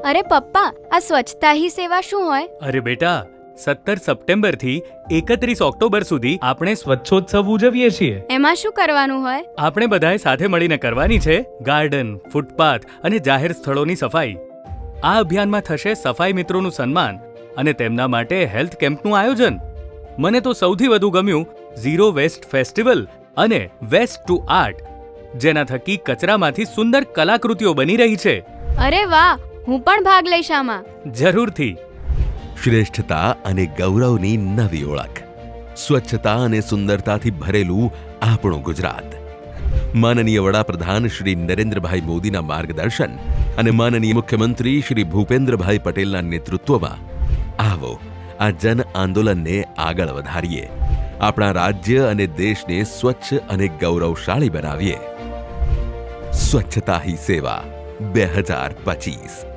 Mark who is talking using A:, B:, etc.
A: અરે પપ્પા, આ સ્વચ્છતા હી સેવા શું હોય?
B: અરે બેટા, 17 સપ્ટેમ્બર થી 31 ઓક્ટોબર સુધી આપણે સ્વચ્છોત્સવ ઉજવીએ છીએ.
A: એમાં શું કરવાનું હોય?
B: આપણે બધાએ સાથે મળીને કરવાની છે ગાર્ડન, ફૂટપાથ અને જાહેર સ્થળોની સફાઈ. આ અભિયાનમાં થશે સફાઈ મિત્રોનું સન્માન અને તેમના માટે હેલ્થ કેમ્પનું આયોજન. મને તો સૌથી વધુ ગમ્યું ઝીરો વેસ્ટ ફેસ્ટિવલ અને વેસ્ટ ટુ આર્ટ, જેના થકી કચરામાંથી સુંદર કલાકૃતિઓ બની રહી છે.
A: અરે વાહ, હું પણ ભાગ લઈશ આમાં.
B: જરૂરથી.
C: શ્રેષ્ઠતા અને ગૌરવની નવી ઓળખ, સ્વચ્છતા અને સુંદરતાથી ભરેલું આપણું ગુજરાત. માનનીય વડાપ્રધાન શ્રી નરેન્દ્રભાઈ મોદીના માર્ગદર્શન અને માનનીય મુખ્યમંત્રી શ્રી ભૂપેન્દ્રભાઈ પટેલના નેતૃત્વમાં આવો આ જન આંદોલનને આગળ વધારીએ. આપણા રાજ્ય અને દેશને સ્વચ્છ અને ગૌરવશાળી બનાવીએ. સ્વચ્છતા હી સેવા 2025.